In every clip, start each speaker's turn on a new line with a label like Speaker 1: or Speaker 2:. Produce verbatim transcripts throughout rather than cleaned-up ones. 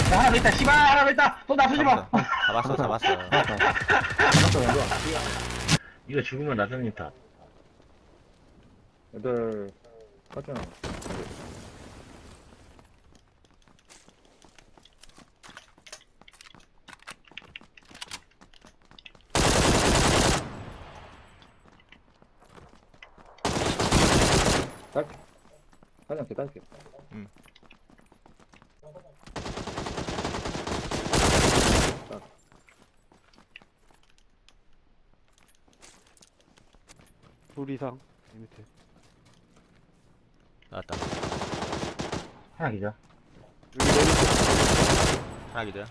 Speaker 1: 야, 하나 더 있다, 씨발, 하나 더 있다! 또 놔두지 마!
Speaker 2: 잡았어, 잡았어.
Speaker 3: 잡았어, 왼쪽.
Speaker 1: 이거 죽으면 나선님 탓.
Speaker 3: 애들, 하잖아. 딸게. 사장께 딸게.
Speaker 2: 응.
Speaker 4: 둘 이상 이 밑에.
Speaker 2: 나왔다.
Speaker 1: 하나 기자.
Speaker 4: 여기 내리
Speaker 2: 하나 기절.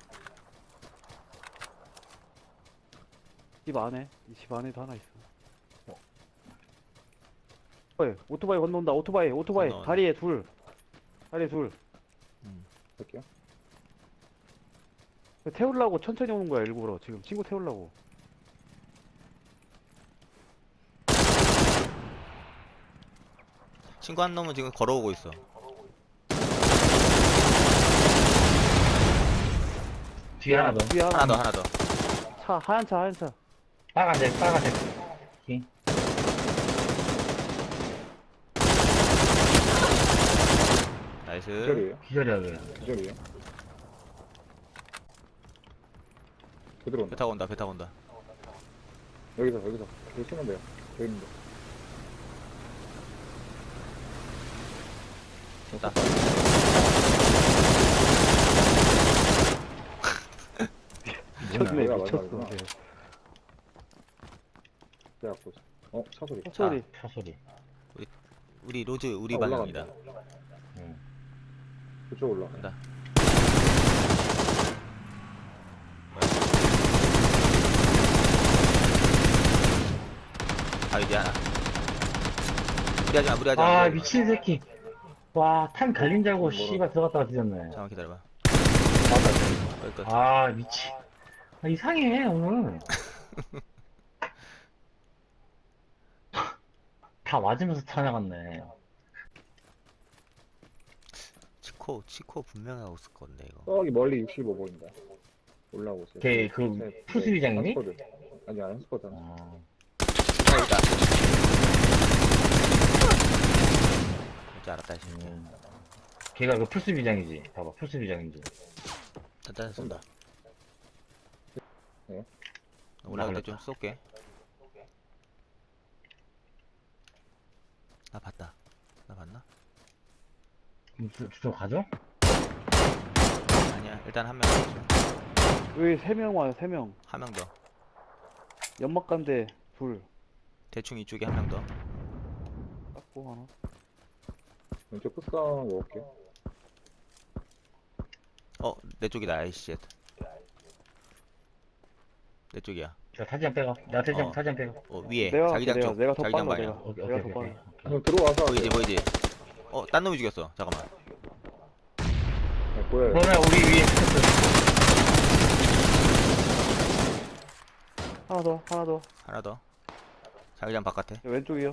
Speaker 4: 집 안에 이 집 안에도 하나 있어. 오토바이 오토바이 건너온다. 오토바이 오토바이
Speaker 2: 건너온다.
Speaker 4: 다리에 둘 다리에 둘.
Speaker 3: 할게요.
Speaker 4: 태우려고 천천히 오는 거야 일부러. 지금 친구 태우려고.
Speaker 2: 친구 한 놈은 지금 걸어오고 있어.
Speaker 1: 뒤에 하나 더.
Speaker 4: 뒤에
Speaker 2: 하나 더, 하나 더.
Speaker 4: 차 하얀 차 하얀 차.
Speaker 1: 빨간색, 빨간색.
Speaker 2: 나이스.
Speaker 3: 기절이에요.
Speaker 1: 기절이야, 그래.
Speaker 3: 기절이에요. 그대로
Speaker 2: 배
Speaker 3: 온다.
Speaker 2: 타고 온다, 배 타고 온다.
Speaker 3: 여기서, 여기서. 여기 쓰면 돼요. 여기 있는데.
Speaker 2: 됐다.
Speaker 4: 미쳤네
Speaker 3: 뭐야,
Speaker 4: 미쳤어.
Speaker 3: 맞아, 맞아.
Speaker 4: 걔.
Speaker 3: 그래갖고. 어, 차 소리.
Speaker 4: 소리.
Speaker 1: 차 소리.
Speaker 2: 우리 로즈, 우리
Speaker 3: 아,
Speaker 2: 방향이다.
Speaker 3: 올라간다.
Speaker 1: 응.
Speaker 3: 그쪽 올라.
Speaker 2: 간다. 아, 이제 하나. 무리하지 마, 무리하지 마.
Speaker 1: 아,
Speaker 2: 무리하지 마.
Speaker 1: 미친 새끼. 와, 탄 갈린 줄 알고, 씨발, 들어갔다가 뒤졌네.
Speaker 2: 잠깐만 기다려봐.
Speaker 1: 맞다.
Speaker 2: 여기까지.
Speaker 1: 아, 미치. 아, 이상해, 오늘. 다 맞으면서 타나갔네.
Speaker 2: 치코, 치코 분명하고 있을 건데, 이거.
Speaker 3: 저기 멀리 육십오 보인다. 올라오고 있어요.
Speaker 1: 걔, 그,
Speaker 3: 네,
Speaker 1: 푸스비장이니?
Speaker 3: 한 스쿼드. 아니, 안 스쿼드.
Speaker 1: 아,
Speaker 2: 아, 있다. 뭔지 알았다, 이 새끼.
Speaker 1: 음. 걔가 그 풀스비장이지. 봐봐, 풀스비장인지.
Speaker 2: 단단 쏜다.
Speaker 3: 네.
Speaker 2: 올라갈 때 좀 쏠게. 나 봤다. 나 봤나?
Speaker 1: 그럼 저, 저쪽 가죠?
Speaker 2: 아니야. 일단 한 명 더.
Speaker 4: 여기 세 명 와요 세 명.
Speaker 2: 한 명 더.
Speaker 4: 연막 간대 둘.
Speaker 2: 대충 이쪽에 한 명 더.
Speaker 4: 닦고 하나.
Speaker 3: 왼쪽 끝싸움 먹을게요.
Speaker 2: 어, 내 쪽이다. 아이씨. 내 쪽이야.
Speaker 1: 저 사진 빼가. 나 사진,
Speaker 2: 어.
Speaker 1: 사진 빼가.
Speaker 2: 어, 위에.
Speaker 4: 내가
Speaker 2: 자기장
Speaker 4: 내가
Speaker 2: 쪽.
Speaker 4: 내가 더
Speaker 2: 자기장
Speaker 4: 빨라
Speaker 2: 방향.
Speaker 4: 내가.
Speaker 1: 오케이,
Speaker 4: 내가
Speaker 1: 오케이,
Speaker 4: 더
Speaker 1: 오케이.
Speaker 4: 빨라.
Speaker 3: 한번 들어와서.
Speaker 2: 보이지, 보이지. 어, 딴 놈이 죽였어. 잠깐만.
Speaker 3: 네, 보여요.
Speaker 1: 그러면 우리 위에 스커트.
Speaker 4: 하나 더 하나 더.
Speaker 2: 하나 더. 자기장 바깥에.
Speaker 4: 왼쪽이요.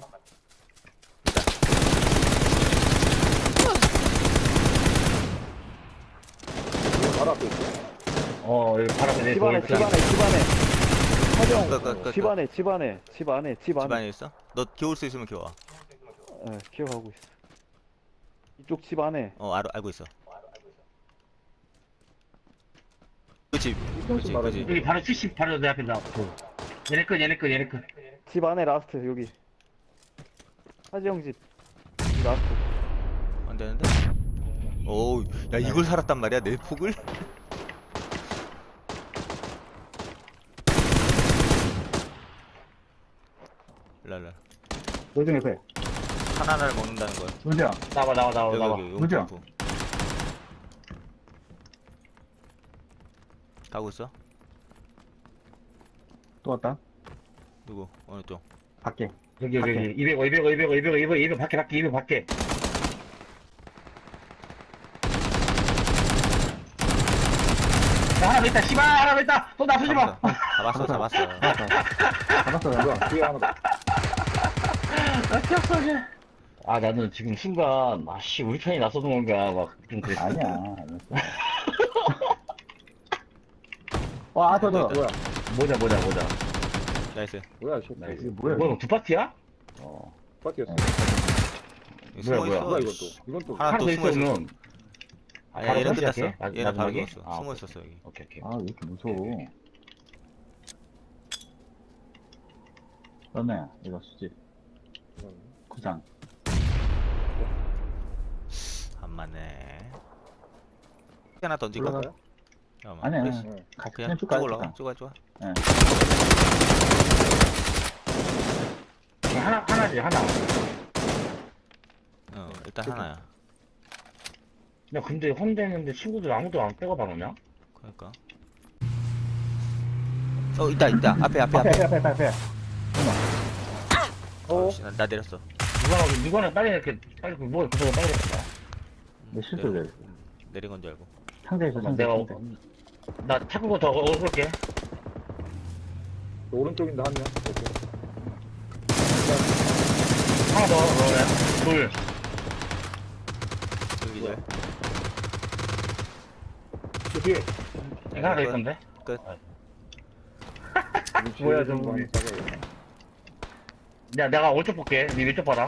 Speaker 3: 바로 앞에 있어요.
Speaker 1: 어, 여기 바로 앞에 내
Speaker 4: 집 안에
Speaker 1: 돌
Speaker 4: 집 안에 집 안에. 사정.
Speaker 2: 끝, 끝, 끝,
Speaker 4: 집
Speaker 2: 끝.
Speaker 4: 안에 집 안에 집 안에 집 안에.
Speaker 2: 집안에 있어? 너 기울 수 있으면 기워.
Speaker 4: 예, 기억하고 있어. 이쪽 집 안에.
Speaker 2: 어, 알, 알고 있어. 그치, 그치,
Speaker 3: 말하지.
Speaker 2: 그치.
Speaker 1: 여기 바로 칠십, 바로 내 앞에 나. 그. 얘네 끝, 얘네 끝, 얘네 끝.
Speaker 4: 집 안에 라스트 여기. 하지영 집. 라스트.
Speaker 2: 안 되는데? 오, 야, 이걸 살았단 말이야, 내 폭을? 랄라.
Speaker 3: 노중 옆에.
Speaker 2: 하나를 먹는다는 거야.
Speaker 3: 노중.
Speaker 1: 나와, 나와, 나와,
Speaker 2: 여기,
Speaker 1: 나와.
Speaker 2: 여기,
Speaker 3: 뭐죠?
Speaker 2: 용품부. 가고 있어?
Speaker 3: 또 왔다.
Speaker 2: 누구? 어느 쪽?
Speaker 3: 밖에.
Speaker 1: 여기, 여기,
Speaker 3: 밖에.
Speaker 1: 여기. 이백, 이백, 이백, 이백, 이백, 이백, 밖에, 밖에, 이백, 밖에. 야, 하나 더 있다, 씨발, 하나 더 있다! 또 놔두지 마!
Speaker 2: 잡았어, 잡았어.
Speaker 3: 잡았어, 왼쪽. 뒤에 하나 더.
Speaker 1: 아, 튀었어, 이제. 아, 나는 지금 순간, 아, 씨, 우리 편이 나서는 건가, 막, 좀 그랬어.
Speaker 3: 아니야. 와, 저, 저,
Speaker 2: 됐다.
Speaker 3: 뭐야?
Speaker 1: 모자 모자 모자.
Speaker 2: 나이스.
Speaker 3: 뭐야, 씨.
Speaker 1: 나이스.
Speaker 3: 이게 뭐야,
Speaker 1: 뭐야
Speaker 3: 이거?
Speaker 1: 이거 두 파티야?
Speaker 3: 어, 파티였어.
Speaker 2: 이거
Speaker 1: 뭐야,
Speaker 2: 숨어
Speaker 1: 뭐야.
Speaker 2: 있어.
Speaker 3: 뭐야, 이건 또. 이건 또.
Speaker 2: 하나
Speaker 1: 하나
Speaker 2: 또
Speaker 1: 더
Speaker 2: 숨어 있어.
Speaker 1: 있으면.
Speaker 2: 아니,
Speaker 1: 바로
Speaker 2: 얘는
Speaker 1: 시작해?
Speaker 2: 끝났어.
Speaker 1: 마-
Speaker 2: 얘는 바로
Speaker 1: 마지막에?
Speaker 2: 죽었어.
Speaker 1: 아,
Speaker 2: 숨어
Speaker 1: 오케이.
Speaker 2: 있었어 여기.
Speaker 1: 오케이 오케이.
Speaker 5: 아, 왜 이렇게 무서워.
Speaker 1: 오케이, 오케이.
Speaker 5: 그러네, 이거 수지. 구상.
Speaker 2: 안 맞네. 하나 던질까?
Speaker 3: 올라가요?
Speaker 2: 잠깐만.
Speaker 5: 아니, 아니,
Speaker 2: 그래서
Speaker 3: 네.
Speaker 5: 같이
Speaker 2: 그냥
Speaker 5: 그냥
Speaker 2: 쭉
Speaker 5: 쭉 가요,
Speaker 2: 올라가.
Speaker 5: 쭉
Speaker 2: 쭉 가, 쭉 가.
Speaker 5: 가. 예.
Speaker 1: 하나 하나지 하나.
Speaker 2: 어, 일단 하나야.
Speaker 1: 야 근데 혼자 있는데 친구들 아무도 안 빼고 바로냐?
Speaker 2: 그러니까. 어, 있다, 있다. 앞에, 앞에,
Speaker 5: 앞에,
Speaker 2: 앞에.
Speaker 5: 앞에, 앞에, 앞에.
Speaker 3: 어?
Speaker 2: 어, 씨, 나, 나 내렸어.
Speaker 1: 누가나 누가나 빨리 이렇게 빨리 뭐 그거 빨리 했다.
Speaker 5: 내 실수
Speaker 2: 내려-
Speaker 5: 내렸어.
Speaker 2: 내린 건 줄 알고.
Speaker 5: 상자에서 상자.
Speaker 1: 내가
Speaker 5: 상자.
Speaker 1: 나 타고 더 얻을게.
Speaker 3: 오른쪽인데 한 명. 오케이.
Speaker 1: 하나 더 그러면 둘.
Speaker 2: 여기 절.
Speaker 3: 저 뒤에.
Speaker 1: 하나 더 있던데.
Speaker 2: 끝.
Speaker 1: 뭐야, 저 우리. 야 내가 오른쪽 볼게. 니 왼쪽 봐라.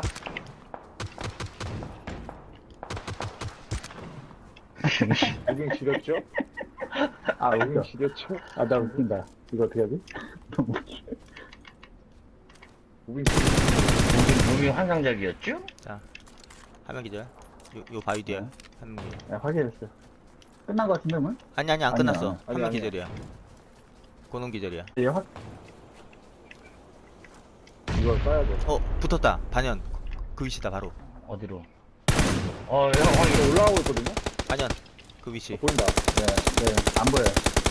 Speaker 3: 무빙 지렸죠?
Speaker 5: 아,
Speaker 3: 무빙
Speaker 5: 웃겨.
Speaker 3: 지렸죠?
Speaker 5: 아, 나 웃긴다. 이거 어떻게 하지?
Speaker 3: 무빙
Speaker 1: 몸이 몸이 환상적이었죠?
Speaker 2: 한 명 기절. 요, 요 바위 뒤에.
Speaker 5: 네.
Speaker 2: 한 명. 기절.
Speaker 5: 야, 확인했어. 끝난 거 같은데, 뭐?
Speaker 2: 아니, 아니, 안
Speaker 5: 아니야.
Speaker 2: 끝났어. 한
Speaker 3: 아니야,
Speaker 2: 명
Speaker 3: 아니야.
Speaker 2: 기절이야. 고농 기절이야.
Speaker 5: 얘 확,
Speaker 3: 이걸 써야 돼.
Speaker 2: 어, 붙었다. 반연. 그 위치다, 바로.
Speaker 1: 어디로? 어, 형, 형,
Speaker 3: 이거 올라가고 있거든요?
Speaker 2: 반연. 그 위치.
Speaker 3: 어, 보인다.
Speaker 5: 네, 네, 안 보여요.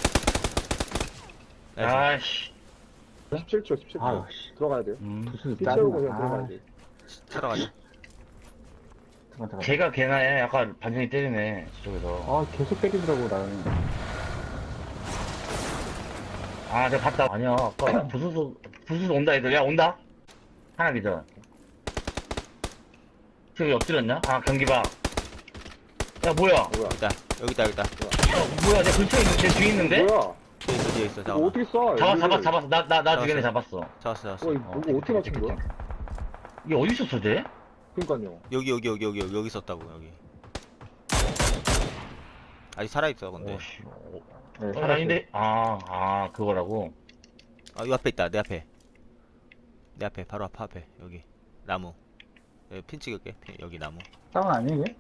Speaker 2: 나이스.
Speaker 1: 아씨.
Speaker 3: 십칠 초, 십칠 초.
Speaker 5: 아유, 씨.
Speaker 3: 들어가야 돼요.
Speaker 1: 음.
Speaker 5: 무슨
Speaker 3: 피 채우고
Speaker 5: 짜증나.
Speaker 3: 그냥
Speaker 5: 아,
Speaker 3: 들어가야 돼.
Speaker 2: 차러 가자.
Speaker 5: 잠깐, 잠깐.
Speaker 1: 걔가 걔나 해. 약간 반전이 때리네. 저쪽에서.
Speaker 5: 아, 계속 때리더라고, 나는.
Speaker 1: 아, 내가 봤다. 아니야. 아까 부수수, 부수수 온다, 애들. 야, 온다? 하나 기절. 지금 엎드렸냐? 아, 경기 봐. 야, 뭐야? 야,
Speaker 3: 뭐야?
Speaker 2: 있다. 여기 있다, 여기 있다.
Speaker 1: 뭐야? 내 근처에 있는, 내 뒤에 있는데?
Speaker 3: 뭐야?
Speaker 2: 뒤에 있어, 뒤에 있어.
Speaker 3: 이거
Speaker 2: 잠깐만.
Speaker 3: 어떻게 쏴?
Speaker 1: 잡았,
Speaker 3: 여기를.
Speaker 1: 잡았어, 잡았어. 나, 나, 나
Speaker 2: 잡았어.
Speaker 1: 주변에 잡았어.
Speaker 2: 잡았어, 잡았어.
Speaker 3: 어, 이거
Speaker 1: 어,
Speaker 3: 누구 어떻게 맞춘 거야?
Speaker 1: 이게 어디 있었어, 쟤?
Speaker 3: 그니까요.
Speaker 2: 여기, 여기, 여기, 여기, 여기 있었다고, 여기. 아직 살아있어, 근데.
Speaker 1: 오, 씨. 어,
Speaker 5: 네,
Speaker 1: 어,
Speaker 5: 살았어요.
Speaker 1: 아닌데? 아, 아, 그거라고?
Speaker 2: 아, 이 앞에 있다, 내 앞에. 내 앞에, 바로 앞, 앞에. 여기. 나무. 여기 핀 찍을게. 핀, 여기 나무.
Speaker 5: 싸움 아니에요, 이게?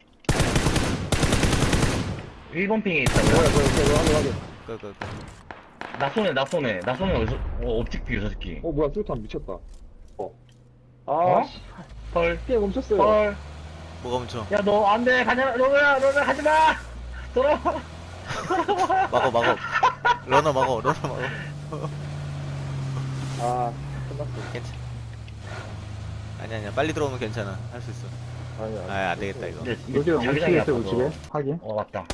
Speaker 1: 일 번 핑에
Speaker 3: 뭐야,
Speaker 1: 있다고요?
Speaker 3: 뭐야, 뭐야, 뭐야, 뭐야.
Speaker 2: 끄, 끄, 끄.
Speaker 1: 나 쏘네, 나 쏘네. 나 쏘네, 어디서, 어, 옵틱 뷰, 저 새끼.
Speaker 3: 어, 뭐야, 수류탄 미쳤다. 어. 아,
Speaker 1: 어?
Speaker 3: 씨.
Speaker 1: 헐,
Speaker 3: 피해 멈췄어요.
Speaker 1: 헐.
Speaker 2: 뭐가 멈춰?
Speaker 1: 야, 너, 안 돼. 가냐, 너야, 너야, 하지 마! 돌아와.
Speaker 2: 막어, 막어. 러너 막어, 러너 막어.
Speaker 3: 아, 끝났어.
Speaker 2: 괜찮아. 아니, 아니야. 빨리 들어오면 괜찮아. 할 수 있어.
Speaker 3: 아니, 아니.
Speaker 2: 아, 안 되겠다, 이거.
Speaker 1: 근데
Speaker 5: 우측에,
Speaker 1: 자기장이
Speaker 5: 우측에 있어요,
Speaker 1: 아파서.
Speaker 5: 우측에. 확인.
Speaker 1: 어, 맞다.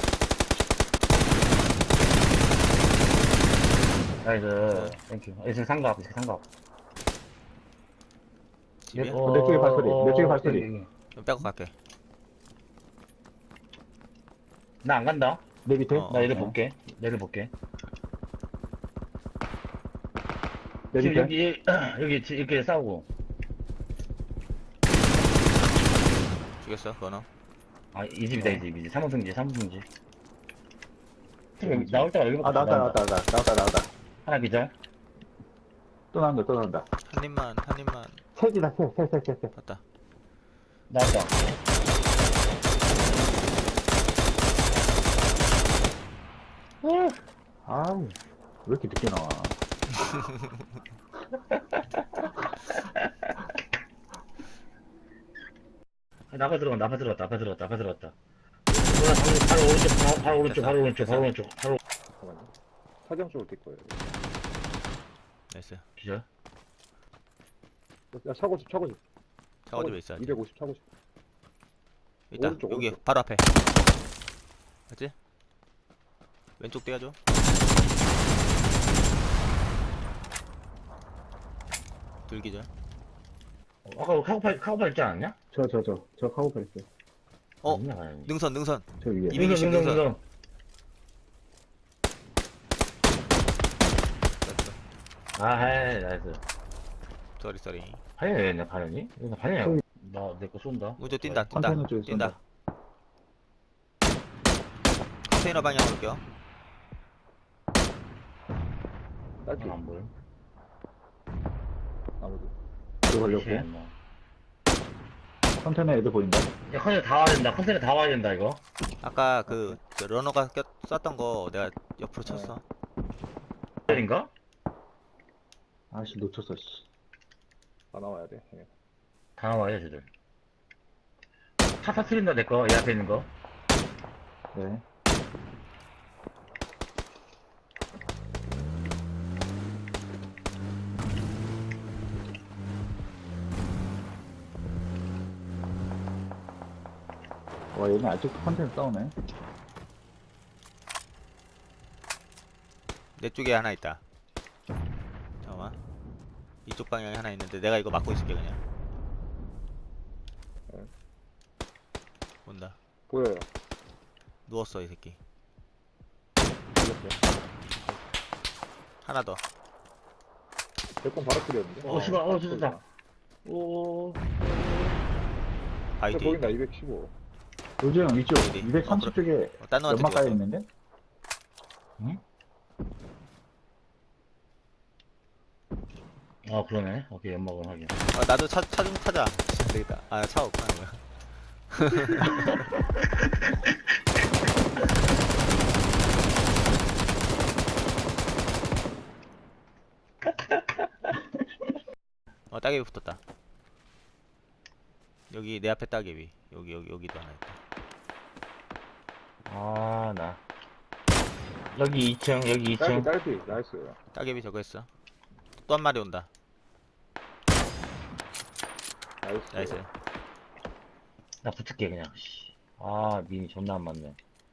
Speaker 1: 나이스. 땡큐. 이승 상갑, 이승 상갑.
Speaker 2: 집이야?
Speaker 5: 어, 내 쪽에 발소리, 내 쪽에 발소리.
Speaker 1: 여기, 여기.
Speaker 2: 좀 빼고 갈게.
Speaker 1: 나안 간다.
Speaker 5: 내 밑에.
Speaker 2: 어.
Speaker 1: 나 얘를
Speaker 5: 어.
Speaker 1: 볼게. 얘를 볼게.
Speaker 5: 내
Speaker 1: 지금
Speaker 5: 밑에.
Speaker 1: 여기, 여기, 지- 이렇게 싸우고.
Speaker 2: 죽였어, 러너.
Speaker 1: 아, 이 집이다, 이 집, 이 집. 삼호승지, 삼호승지. 지금 나올 때가 여기밖에
Speaker 5: 아, 나왔다,
Speaker 1: 나온다.
Speaker 5: 나왔다, 나왔다, 나왔다, 나왔다.
Speaker 1: 하나 기절.
Speaker 5: 또 나온다, 또 나온다.
Speaker 2: 한 입만, 한 입만.
Speaker 5: 셋이다, 셋, 셋, 셋, 셋, 셋.
Speaker 2: 봤다.
Speaker 1: 나왔다.
Speaker 5: 아우, 왜 이렇게 늦게 나와.
Speaker 1: 아, 나가 들어가, 나가 들어갔다, 나가 들어갔다, 나가 들어갔다. 뭐야, 바로, 바로 오른쪽, 바로, 바로 오른쪽, 바로 오른쪽, 바로 오른쪽, 바로
Speaker 3: 잠깐만요. 사경 쪽으로 뛸 거예요.
Speaker 2: 나이스.
Speaker 1: 기절.
Speaker 3: 야, 차고집, 차고집.
Speaker 2: 차고집에 있어. 아직.
Speaker 3: 이백오십 차고집.
Speaker 2: 있다.
Speaker 3: 오른쪽,
Speaker 2: 여기
Speaker 3: 오른쪽.
Speaker 2: 바로 앞에. 맞지? 왼쪽 떼야죠. 둘기절.
Speaker 1: 어, 아까 카고팔, 카고팔 있지 않았냐?
Speaker 5: 저, 저, 저, 저 카고팔 있어요.
Speaker 2: 어,
Speaker 1: 아니야, 아니야.
Speaker 2: 능선, 능선.
Speaker 5: 저 위에.
Speaker 2: 이백이십 능선.
Speaker 1: 아, 헤이, 나이스.
Speaker 2: 쏘리 쏘리.
Speaker 1: 반이 왜 했네, 반이? 이거 반이야. 나, 내 거 쏜다.
Speaker 2: 우주 뛴다 뛴다
Speaker 5: 컨테이너 쪽에
Speaker 2: 뛴다.
Speaker 5: 쏜다.
Speaker 2: 컨테이너 방향으로 올게요.
Speaker 3: 딸피.
Speaker 1: 아, 안 보여.
Speaker 3: 아무도.
Speaker 5: 이거 걸렸고.
Speaker 1: 씨, 뭐.
Speaker 5: 컨테이너 애들 보인다.
Speaker 1: 야, 컨테이너 다 와야 된다. 컨테이너 다 와야 된다, 이거.
Speaker 2: 아까 그, 그 러너가 꼈, 쐈던 거 내가 옆으로 쳤어.
Speaker 1: 인가
Speaker 5: 아씨, 놓쳤어, 씨.
Speaker 3: 다 나와야 돼. 예.
Speaker 1: 다 나와요, 쟤들. 차 터트린다, 내 거. 이 앞에 있는 거.
Speaker 5: 네. 와, 얘네 아직도 컨테이너 싸우네.
Speaker 2: 내 쪽에 하나 있다. 잠깐만. 이쪽 방향에 하나 있는데 내가 이거 막고 있을게 그냥.
Speaker 3: 네.
Speaker 2: 온다.
Speaker 3: 보여요.
Speaker 2: 누웠어 이 새끼.
Speaker 3: 보였어요.
Speaker 2: 하나 더.
Speaker 3: 대권 바로 끓였는데.
Speaker 1: 어, 씨발, 어, 죽었다. 오.
Speaker 2: 바위 뒤.
Speaker 3: 보인다, 이백십오.
Speaker 5: 요즘 이쪽
Speaker 2: 어디?
Speaker 5: 이백삼십
Speaker 2: 어,
Speaker 5: 쪽에
Speaker 2: 어, 딴 놈한테
Speaker 5: 연막 가야
Speaker 2: 죽었어.
Speaker 5: 있는데?
Speaker 1: 아, 그러네. 오케이, 연막은 하긴.
Speaker 2: 아, 나도 차, 차 좀 타자. 안 되겠다. 아, 차 없구나, 뭐야. 어, 따개비 붙었다. 여기 내 앞에 따개비. 여기, 여기, 여기도 하나 있다.
Speaker 1: 아, 나. 여기 이 층, 여기
Speaker 3: 딸피,
Speaker 1: 이 층.
Speaker 3: 딸피. 나이스.
Speaker 2: 따개비 저거 했어. 또 한 마리 온다.
Speaker 3: 나이스.
Speaker 2: 나이스.
Speaker 1: 나 붙을게, 그냥. 씨. 아, 민이 존나 안 맞네.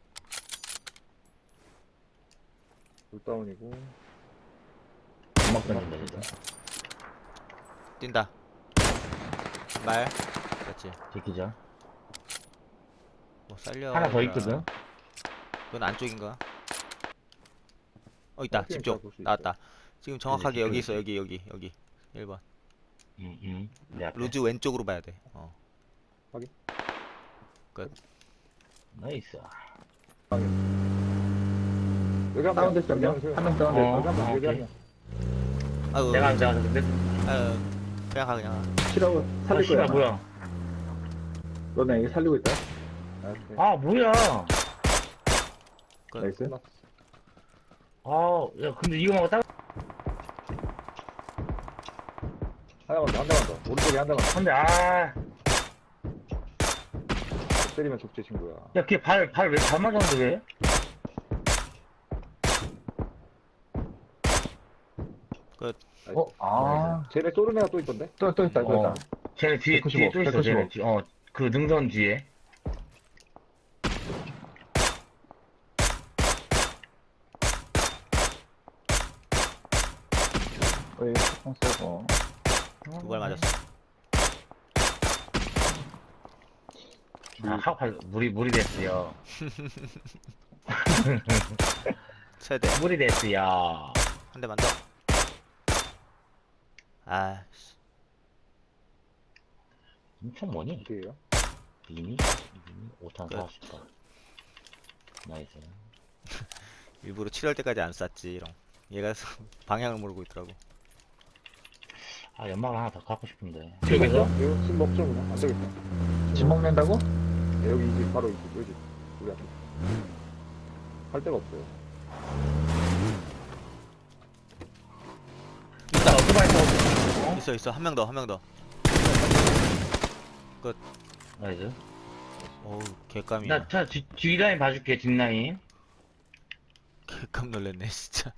Speaker 3: 불다운이고.
Speaker 1: 연막 던진다, 진짜.
Speaker 2: 뛴다. 말. 그렇지.
Speaker 1: 제끼자.
Speaker 2: 뭐 살려.
Speaker 1: 하나 더
Speaker 2: 얘들아.
Speaker 1: 있거든?
Speaker 2: 그건 안쪽인가? 어 있다.
Speaker 3: 어,
Speaker 2: 집
Speaker 3: 뛴다,
Speaker 2: 쪽.
Speaker 3: 볼수 있어.
Speaker 2: 나왔다. 지금 정확하게
Speaker 1: 그지,
Speaker 2: 여기
Speaker 1: 그지.
Speaker 2: 있어. 여기 여기 여기. 일 번.
Speaker 1: 응, 응. 내 앞에.
Speaker 2: 루즈 왼쪽으로 봐야 돼. 어.
Speaker 1: 나이스.
Speaker 3: 여기 한 명.
Speaker 5: 다운됐어, 한
Speaker 3: 여기
Speaker 5: 명.
Speaker 3: 한 명.
Speaker 5: 한 명
Speaker 1: 어,
Speaker 5: 다운됐어.
Speaker 3: 여기 한 명. 여기 한
Speaker 1: 오케이.
Speaker 3: 명.
Speaker 2: 아유.
Speaker 1: 내가 앉아, 근데.
Speaker 2: 아유. 그냥 가 그냥 가.
Speaker 5: 치라고
Speaker 1: 아,
Speaker 5: 살릴
Speaker 1: 씨발,
Speaker 5: 거야.
Speaker 1: 뭐야.
Speaker 3: 네.
Speaker 5: 너네 이거 살리고 있다.
Speaker 3: 나이스.
Speaker 1: 아, 뭐야.
Speaker 2: 끝.
Speaker 5: 나이스.
Speaker 3: 끝났어.
Speaker 1: 아, 야, 근데 이거 말고 따
Speaker 3: 하나만 더, 한 대만 더. 오른쪽에 한 대만 더.
Speaker 1: 근데, 아.
Speaker 3: 때리면 족제 친구야.
Speaker 1: 야, 걔 발, 발 왜, 발 맞았는데 왜?
Speaker 3: 나이스.
Speaker 5: 어, 아.
Speaker 3: 쟤네 쏘는 애가 또 있던데?
Speaker 5: 또, 또 있다, 또
Speaker 1: 어.
Speaker 5: 있다.
Speaker 1: 쟤네 뒤에, 뒤에
Speaker 5: 백구십오,
Speaker 1: 또 있어, 쟤네.
Speaker 5: 백구십오.
Speaker 1: 뒤- 어, 그 능선 뒤에.
Speaker 5: 왜, 총 쏘고.
Speaker 2: 두 발 맞았어.
Speaker 1: 아, 하고팔, 물이, 물이 됐어요.
Speaker 2: 세대.
Speaker 1: 물이 됐어요.
Speaker 2: 한 대만 더. 아. 씨.
Speaker 1: 엄청 뭐니?
Speaker 3: 어디에요?
Speaker 1: 미니? 미니? 오탄
Speaker 2: 끝.
Speaker 1: 사십 발. 나이스.
Speaker 2: 일부러 칠월 때까지 안 쐈지. 이런. 얘가 방향을 모르고 있더라고.
Speaker 1: 아, 연막을 하나 더 갖고 싶은데.
Speaker 3: 여기서?
Speaker 1: 여기서?
Speaker 3: 이거 술 먹죠, 그냥. 안 되겠다.
Speaker 5: 집 먹는다고?
Speaker 3: 네, 여기 이 집, 바로 이 집, 여기 집. 우리 앞에. 할 데가 없어요.
Speaker 1: 있다, 오토바이 타.
Speaker 2: 있어 있어. 한 명 더. 한 명 더.
Speaker 1: 나이스.
Speaker 2: 어우, 개감이야.
Speaker 1: 나, 차, 뒤, 뒤라인 봐줄게, 뒷라인.
Speaker 2: 개깜 놀랐네 진짜.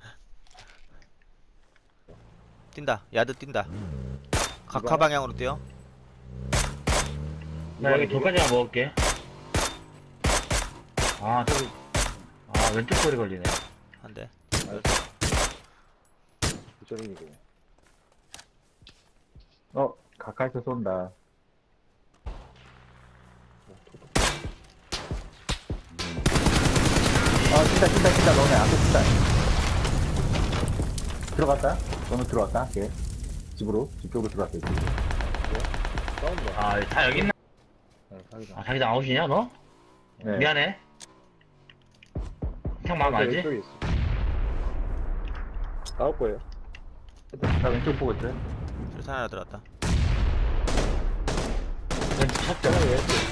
Speaker 2: 뛴다. 야드 뛴다. 각하 방향으로 뛰어.
Speaker 1: 나 여기 돌까지만 먹을게. 아, 저기. 아, 왼쪽 소리 걸리네.
Speaker 2: 한 대.
Speaker 3: 부처님이고.
Speaker 5: 어, 가까이서 쏜다. 아, 뛴다, 뛴다, 뛴다. 너네 앞에 뛴다. 들어갔다. 너는 들어왔다, 걔. 집으로, 집 쪽으로 들어왔어, 지금.
Speaker 3: 싸운다.
Speaker 1: 아, 다 여기 있나?
Speaker 3: 네, 사기다.
Speaker 1: 아, 자기장 아웃이냐, 너?
Speaker 5: 네.
Speaker 1: 미안해. 형 마음 알지?
Speaker 3: 왼쪽에 있어. 싸울 거예요.
Speaker 5: 나 왼쪽 보고 있어요.
Speaker 2: 술산 하나 들어왔다.
Speaker 1: 왼쪽 쳤죠.
Speaker 3: 왼쪽에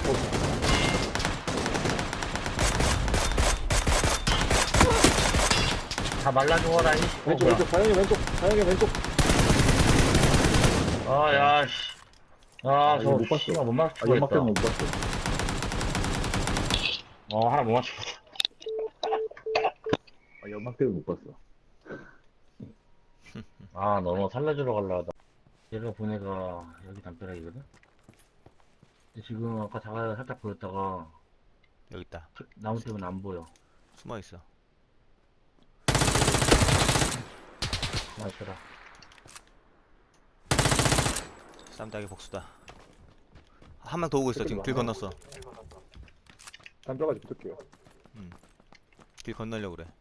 Speaker 1: 다 말라 죽어라, 이.
Speaker 3: 왼쪽, 왼쪽, 사영이 왼쪽, 사영이 왼쪽.
Speaker 1: 아, 야, 씨. 아,
Speaker 5: 이거
Speaker 1: 저거
Speaker 5: 못 봤어.
Speaker 1: 씨발 못 맞추고
Speaker 5: 아, 연막
Speaker 1: 했다.
Speaker 5: 때문에 못 봤어.
Speaker 1: 어, 하나 못 맞추고.
Speaker 5: 아, 연막 때문에 못 봤어.
Speaker 1: 아, 너무 살려주러 갈라 하다. 얘가 보내가 여기 담벼락이거든? 근데 지금 아까 자가 살짝 보였다가
Speaker 2: 여기 있다.
Speaker 1: 나무 때문에 안 보여.
Speaker 2: 숨어 있어.
Speaker 1: 나이스라.
Speaker 2: 쌈닭의 복수다. 한 명 더 오고 있어. 지금 길 건넜어.
Speaker 3: 담벼가지 붙을게요.
Speaker 2: 길 건너려고 그래.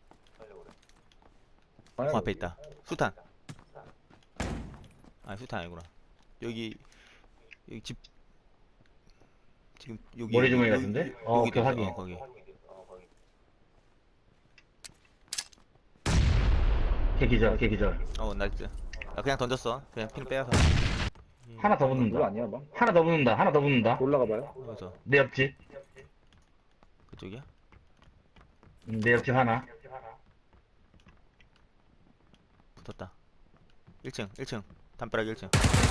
Speaker 3: 방향이
Speaker 2: 그 앞에 있다. 수탄. 아니 수탄 아니구나. 여기 여기 집 지금 여기
Speaker 1: 머리 주머니
Speaker 2: 여기-
Speaker 1: 같은데?
Speaker 2: 여기-
Speaker 1: 어,
Speaker 2: 여기
Speaker 1: 오케이,
Speaker 2: 있어.
Speaker 1: 확인.
Speaker 2: 어, 거기.
Speaker 1: 걔 기절, 걔 기절.
Speaker 2: 어 나이스. 나 그냥 던졌어. 그냥 핀 빼서.
Speaker 1: 하나 더
Speaker 3: 그거
Speaker 1: 붙는다.
Speaker 3: 아니야, 막?
Speaker 1: 하나 더 붙는다. 하나 더 붙는다.
Speaker 3: 올라가 봐요.
Speaker 2: 여기서
Speaker 1: 내 옆집.
Speaker 2: 그쪽이야?
Speaker 1: 음, 내 옆집 하나.
Speaker 2: 붙었다. 일 층 일 층 담벼락 일 층.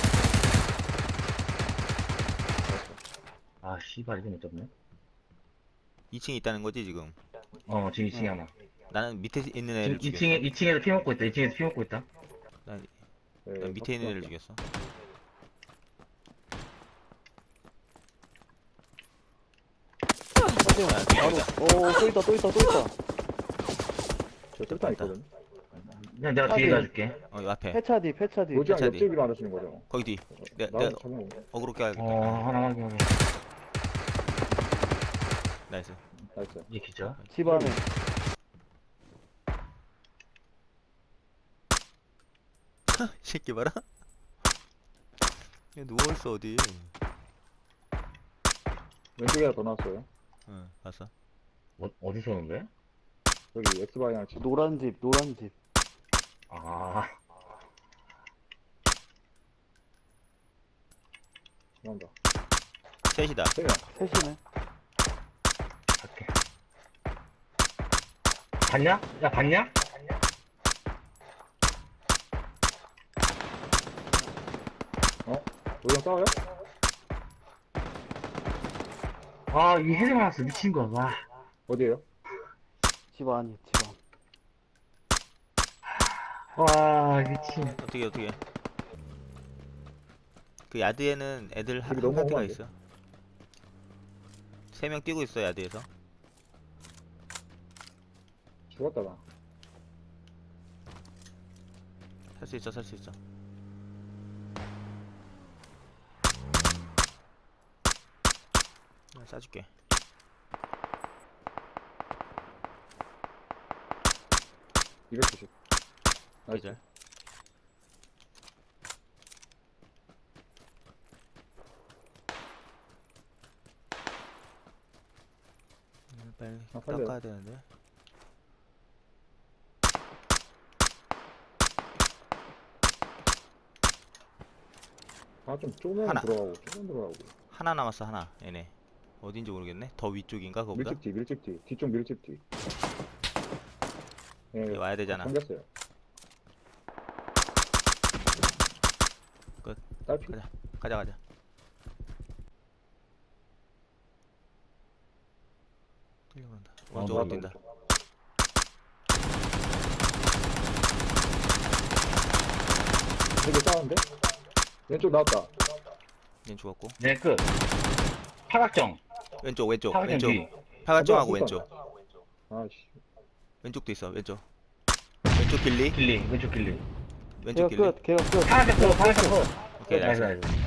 Speaker 1: 아, 씨발, 이거 못 잡네.
Speaker 2: 이 층에 있다는 거지 지금.
Speaker 1: 어, 지금 이 층에
Speaker 2: 어.
Speaker 1: 하나.
Speaker 2: 나는 밑에 있는
Speaker 1: 지금
Speaker 2: 애를 죽였어.
Speaker 1: 이 층에, 이 층에서 피 먹고 있다. 이 층에서 피 먹고 있다.
Speaker 2: 난,
Speaker 3: 네,
Speaker 2: 난 밑에 있는 애를
Speaker 3: 탑승할게요.
Speaker 2: 죽였어.
Speaker 4: 하지영
Speaker 2: 야,
Speaker 4: 바로 오또 있다 또 있다 또 있다.
Speaker 3: 저 뜰타 있거든.
Speaker 1: 그냥 내가 뒤에
Speaker 4: 확인.
Speaker 1: 가줄게.
Speaker 2: 어, 이 앞에.
Speaker 4: 폐차 뒤 폐차 뒤.
Speaker 3: 로지랑
Speaker 2: 차 뒤.
Speaker 3: 옆집이 말하시는 거죠?
Speaker 2: 거기 뒤. 내,
Speaker 3: 나는
Speaker 2: 내가
Speaker 3: 잡은 거.
Speaker 2: 어그로 껴야겠다.
Speaker 1: 어, 하나 확인, 확인.
Speaker 2: 나이스.
Speaker 3: 나이스.
Speaker 1: 얘 기절.
Speaker 4: 집 안에.
Speaker 2: 이 새끼 봐라. 얘 누워있어 어디.
Speaker 3: 왼쪽에 하나 더 나왔어요.
Speaker 2: 응 봤어.
Speaker 1: 어, 어디서 오는 거야?
Speaker 3: 여기 X방향 집.
Speaker 4: 노란 집 노란 집.
Speaker 1: 아,
Speaker 3: 나온다.
Speaker 2: 셋이다.
Speaker 3: 세야.
Speaker 4: 셋이네.
Speaker 1: 갈게. 봤냐? 야, 봤냐?
Speaker 3: 로지랑 싸워요?
Speaker 1: 아, 이 헤드 맞았어. 미친 거. 와.
Speaker 3: 어디에요?
Speaker 4: 집 안이 집 안.
Speaker 1: 와, 미친.
Speaker 2: 어떻게 어떻게. 그 야드에는 애들 한,
Speaker 3: 여기
Speaker 2: 한
Speaker 3: 너무
Speaker 2: 파티가
Speaker 3: 험한데?
Speaker 2: 있어. 세 명 뛰고 있어 야드에서.
Speaker 3: 죽었다, 나.
Speaker 2: 살 수 있어 살 수 있어. 내가 쏴줄게.
Speaker 3: 이백구십. 나이스.
Speaker 2: 기절. 음, 빨리
Speaker 3: 아, 살려요.
Speaker 2: 깎아야 되는데.
Speaker 3: 아, 좀 조금만
Speaker 2: 하나.
Speaker 3: 들어가고, 조금 들어가고.
Speaker 2: 하나 남았어 하나. 얘네 어딘지 모르겠네. 더 위쪽인가 그거보다.
Speaker 3: 밀집 뒤, 밀집 뒤. 뒤쪽 밀집 뒤. 예,
Speaker 2: 얘 와야 되잖아.
Speaker 3: 생겼어요.
Speaker 2: 끝.
Speaker 3: 딸피?
Speaker 2: 가자 가자 가자. 뛰어간다.
Speaker 1: 아,
Speaker 2: 오른쪽으로
Speaker 1: 맞아.
Speaker 2: 뛴다.
Speaker 3: 되게 싸운데? 왼쪽 나왔다.
Speaker 2: 얘 죽었고.
Speaker 1: 네, 끝. 팔각정.
Speaker 2: 왼쪽 왼쪽
Speaker 1: 팔각정
Speaker 2: 왼쪽.
Speaker 1: 뒤.
Speaker 2: 팔각정하고
Speaker 3: 아,
Speaker 2: 왼쪽.
Speaker 3: 아씨.
Speaker 2: 왼쪽도 있어 왼쪽. 왼쪽 길리.
Speaker 1: 길리, 왼쪽 길리.
Speaker 2: 왼쪽
Speaker 4: 걔가
Speaker 2: 길리.
Speaker 4: 끝 걔가 끝.
Speaker 1: 팔각정 컷, 팔각정 컷.
Speaker 2: 오케이
Speaker 1: 나이스,
Speaker 2: 나이스.
Speaker 1: 나이스.